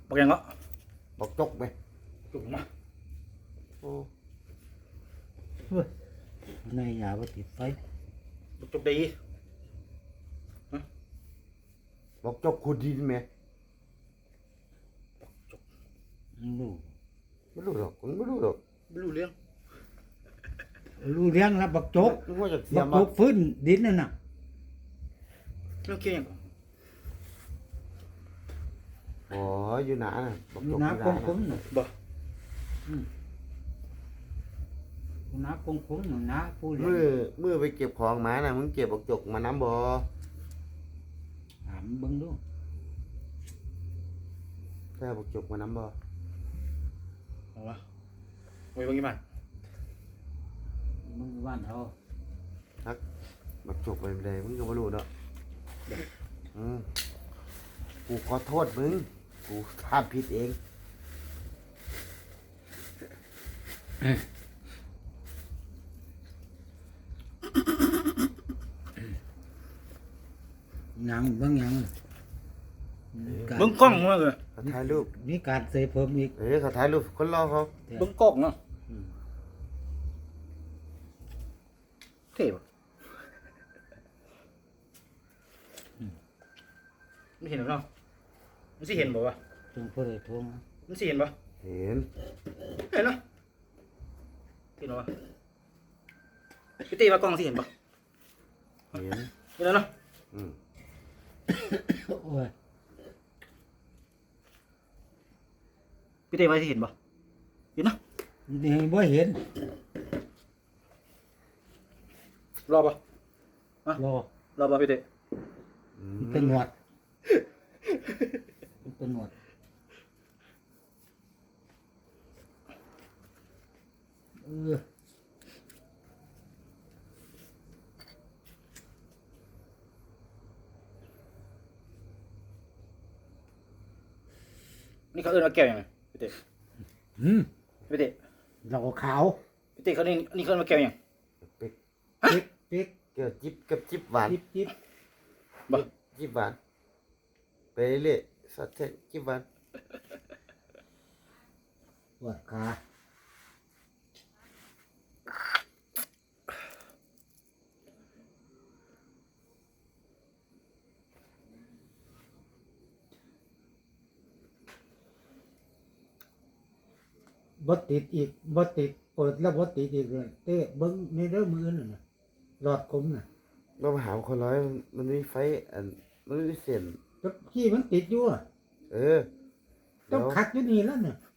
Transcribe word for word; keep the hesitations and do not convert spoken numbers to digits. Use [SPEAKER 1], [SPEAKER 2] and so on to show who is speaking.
[SPEAKER 1] บอกยังเนาะ
[SPEAKER 2] บอกจกไหม
[SPEAKER 1] จุกมา
[SPEAKER 2] โอ้
[SPEAKER 3] ในยาบ่ติดไฟ
[SPEAKER 1] บอกจุกดี
[SPEAKER 2] บอกจกขุดดินไหม
[SPEAKER 3] รู้
[SPEAKER 2] ไม่รู้หรอกไม่รู้หรอก
[SPEAKER 1] ไม่รู้เรื่อง
[SPEAKER 3] รู้เรื่องแล้วบักจก
[SPEAKER 2] นึกว่าจะเสีย
[SPEAKER 3] บัก
[SPEAKER 2] มา
[SPEAKER 3] จกฟื้นดินนั่นน่ะ
[SPEAKER 1] เรื่องเกี่ยวยัง
[SPEAKER 2] โอ้ยอยู่หนาน่ะบอก
[SPEAKER 3] อยู่
[SPEAKER 2] จก
[SPEAKER 3] น้า
[SPEAKER 2] อยู่
[SPEAKER 3] ค
[SPEAKER 2] ห
[SPEAKER 3] ง
[SPEAKER 2] นา
[SPEAKER 3] คุ้ม
[SPEAKER 2] น่ะ
[SPEAKER 3] น่ะ
[SPEAKER 1] บ่
[SPEAKER 3] อยู่น้าคงคุ้มน่ะน้าผู้เลี้ย
[SPEAKER 2] มือง มือไปเก็บของมาน่ะมึงเก็บบอกจกมาน้ำบ่
[SPEAKER 3] ถามเบิ่งดู
[SPEAKER 2] แค่บอกจกมาน้ำบ่
[SPEAKER 1] เอาวะไว้บางยี่มัน
[SPEAKER 3] มึงบ้านเฮา
[SPEAKER 2] ฮักบอกจกไปไม่ได้มึงก็ไม่รู้เนาะอืมกูขอโทษมึงกูทำผิดเอง
[SPEAKER 3] ยังเบิ่งยัง
[SPEAKER 1] เบิ้งกล้องมาเลย
[SPEAKER 2] เขาถ่ายรูป
[SPEAKER 3] มีการเสยเพิ่มอีก
[SPEAKER 2] เอ้ยเขาถ่ายรูปคนรอเขา
[SPEAKER 1] เบิ้งกล้องเนาะ
[SPEAKER 3] อืม
[SPEAKER 1] เท่ปะไม่เห็นหรอกเนาะมันสิเห็นบ่วะ
[SPEAKER 3] จงเพิ่นได้ทวง
[SPEAKER 1] มันสิเห็นบ่
[SPEAKER 2] เห็น
[SPEAKER 1] เห็นเนาะเห็นบ่วะพี่ตีว่ากล้องสิเห็นบ่
[SPEAKER 2] เห็น
[SPEAKER 1] เห็นแล้วเนาะ
[SPEAKER 2] อืม
[SPEAKER 3] โอ้ย
[SPEAKER 1] พี่ตีว่าสิเห็นบ่เห็นเนาะ
[SPEAKER 3] นี่บ่เห็น
[SPEAKER 1] รอบ่
[SPEAKER 3] รอ
[SPEAKER 1] รอบ่พี่ตี
[SPEAKER 2] อื
[SPEAKER 3] มัน
[SPEAKER 2] ม
[SPEAKER 3] เป็นหนวดมันเป็นหนวดเออ
[SPEAKER 1] นี่เขาเอิ้นว่าแก้วยังไงพี่ตี
[SPEAKER 3] หืม
[SPEAKER 1] พี่ตี
[SPEAKER 3] เราขาว
[SPEAKER 1] พี่ตีเขานี่นี่เขาเอิ้นว่าแก้วยัง
[SPEAKER 2] เป็ก
[SPEAKER 3] ปิ๊กปิ๊ก
[SPEAKER 2] เกี่ยวจิบกับจิบหวาน
[SPEAKER 3] จิ๊บจิ๊บ
[SPEAKER 1] บ่
[SPEAKER 2] จิบหวานไปเรื่อยๆสัตว์เทศจิบหวาน
[SPEAKER 3] ปวดขาบ่ติดอีกบ่ติดเปิดแล้วบ่ติดอีกเลยเต้เบิ่งในเด้อมือนั่นน่ะหลอดคมน่ะ
[SPEAKER 2] เรามาหาคนร้อยมันมันมีไฟอันมันมีเส้น
[SPEAKER 3] แตะกี้มันติดอยู่อะ
[SPEAKER 2] เออ
[SPEAKER 3] ต้องขัดอยู่นี่แล้วน่ะ